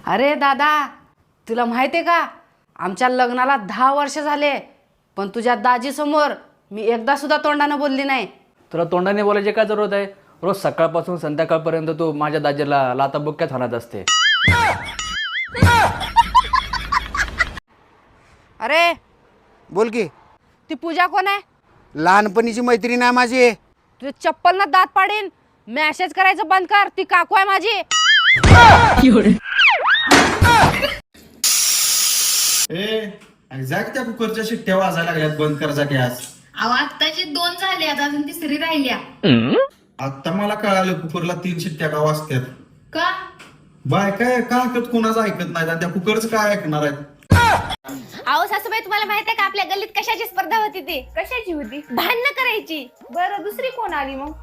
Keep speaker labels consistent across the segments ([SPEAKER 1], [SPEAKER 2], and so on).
[SPEAKER 1] अरे दादा, तुला माहिती आहे का, आमच्या लग्नाला 10 वर्ष झाले, पण तुझ्या दाजीसमोर मी एकदा सुद्धा तोंडानं बोलली नाही.
[SPEAKER 2] तुला तोंडाने बोलायची काय जरूरत आहे? रोज सकाळपासून संध्याकाळपर्यंत तू माझ्या दाजीला लाताबुक्क्यात हाणत असते.
[SPEAKER 1] अरे
[SPEAKER 3] बोल की.
[SPEAKER 1] ती पूजा कोण आहे?
[SPEAKER 3] लहानपणीची मैत्रीण आहे माझी.
[SPEAKER 1] तुझे चप्पल ना दात पाडीन. मॅसेज करायचं बंद कर, ती काकू आहे माझी.
[SPEAKER 4] एक्झॅक्ट त्या कुकरच्या शिट्ट्या वाजायला लागल्यात, बंद कर जा गॅस.
[SPEAKER 5] अहो आत्ताची 2 झाली, आता अजून तिसरी राहिल्या.
[SPEAKER 4] आता मला कळालं कुकरला 3 शिट्ट्या का वाजतात.
[SPEAKER 5] का?
[SPEAKER 4] बाय काय का ऐकत, कोणाचं ऐकत नाही आणि त्या कुकरचं काय ऐकणार आहेत.
[SPEAKER 5] अहो सासूबाई, तुम्हाला माहित आहे का आपल्या गल्लीत कशाची स्पर्धा होती? ती कशाची होती? भांडणं करायची. बरं, दुसरी कोण आली मग?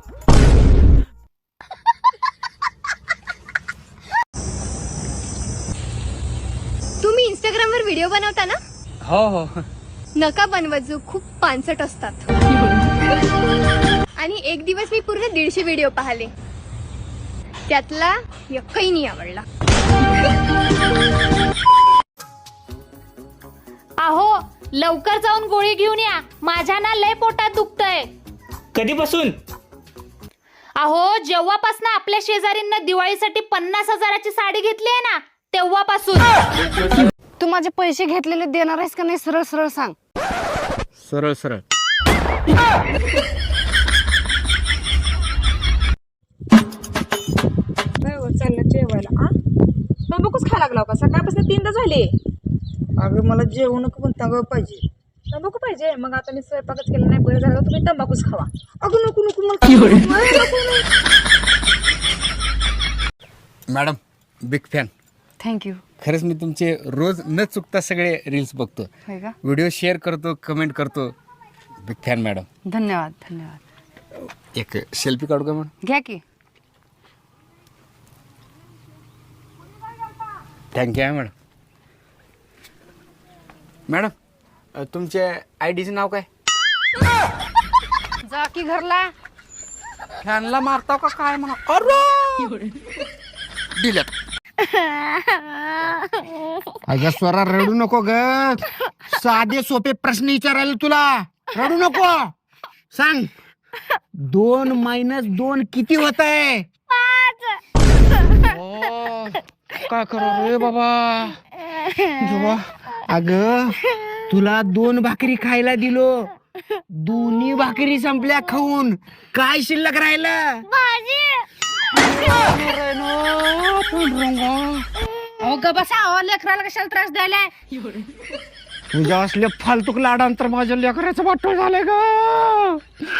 [SPEAKER 6] तुम्ही इंस्टाग्रामवर व्हिडिओ बनवता ना?
[SPEAKER 2] हो हो.
[SPEAKER 6] नका बनवत, खूप पानसट असतात. आणि एक दिवस मी पूर्ण 150 व्हिडिओ पाहिले, त्यातला एकही नाही आवडला.
[SPEAKER 7] अहो लवकर जाऊन गोळी घेऊन या, माझ्या ना लय पोटात दुखतंय.
[SPEAKER 8] कधीपासून?
[SPEAKER 7] अहो जेव्हापासून आपल्या शेजारींना दिवाळीसाठी 50,000ची साडी घेतली आहे ना, तेव्हापासून.
[SPEAKER 1] तू माझे पैसे घेतलेले देणार आहेस का नाही? सरळ सरळ सांग.
[SPEAKER 2] सरळ सरळ.
[SPEAKER 9] चाललं जेवायला. तंबाखूच खायला लागला का? सकाळपासून 3दा झाले.
[SPEAKER 3] अगं मला जेवण पण तंबाखू पाहिजे.
[SPEAKER 9] तंबाखू पाहिजे? मग आता मी स्वयंपाकच केला नाही, बरं झालं तुम्ही तंबाखूच खावा. अगं नको नको मला.
[SPEAKER 3] Madam big fan.
[SPEAKER 1] थँक्यू.
[SPEAKER 3] खरंच मी तुमचे रोज न चुकता सगळे रील्स बघतो,
[SPEAKER 1] होय का?
[SPEAKER 3] व्हिडिओ शेअर करतो, कमेंट करतो. Big fan madam.
[SPEAKER 1] धन्यवाद धन्यवाद.
[SPEAKER 3] एक सेल्फी काढू का मॅडम?
[SPEAKER 1] घ्या की.
[SPEAKER 3] थँक्यू आहे मॅडम. मॅडम तुमच्या आयडीचं नाव काय?
[SPEAKER 1] जा की घरला.
[SPEAKER 3] फॅनला मारताव का काय म्हणा? अरे डिलेट. अगं स्वरा रडू नको ग. साधे सोपे प्रश्न विचारायला तुला. रडू नको. सांग 2 - 2 किती होत आहे? काय करू रे बाबा. अगं तुला 2 भाकरी खायला दिलो, दोन्ही भाकरी संपल्या खाऊन. काय शिल्लक राहिलं?
[SPEAKER 1] अहो ग बसा. अहो लेकराला कशाला त्रास द्यायलाय?
[SPEAKER 3] तुझ्या असले फालतूक लाडांतर माझ्या लेकराचं वाटोळ झालंय ग.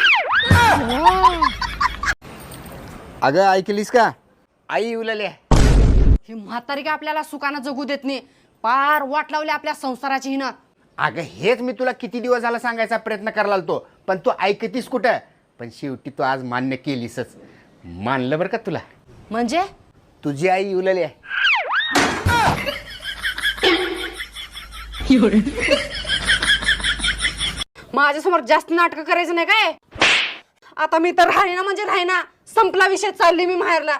[SPEAKER 3] अगं ऐकलीस का? आई उलाल्या.
[SPEAKER 1] ही म्हातारी का आपल्याला सुखानं जगू देत नाही. पार वाट लावली आपल्या संसाराची हिनं.
[SPEAKER 3] अगं हेच मी तुला किती दिवस झाला सांगायचा प्रयत्न करायला लागतो, पण तू ऐकतीस कुठं. पण शेवटी तू आज मान्य केलीसच. मानलं बरं का तुला.
[SPEAKER 1] म्हणजे
[SPEAKER 3] तुझी आई उलाली आहे.
[SPEAKER 1] माझ्यासमोर जास्त नाटक करायचं नाही काय? आता मी तर राहीना म्हणजे राहीना. संपला विषय. चालली मी माहेरला.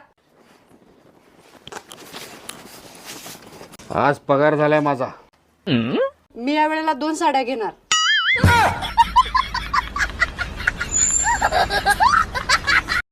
[SPEAKER 3] आज पगार झालाय माझा.
[SPEAKER 1] मी या वेळेला 2 साड्या घेणार.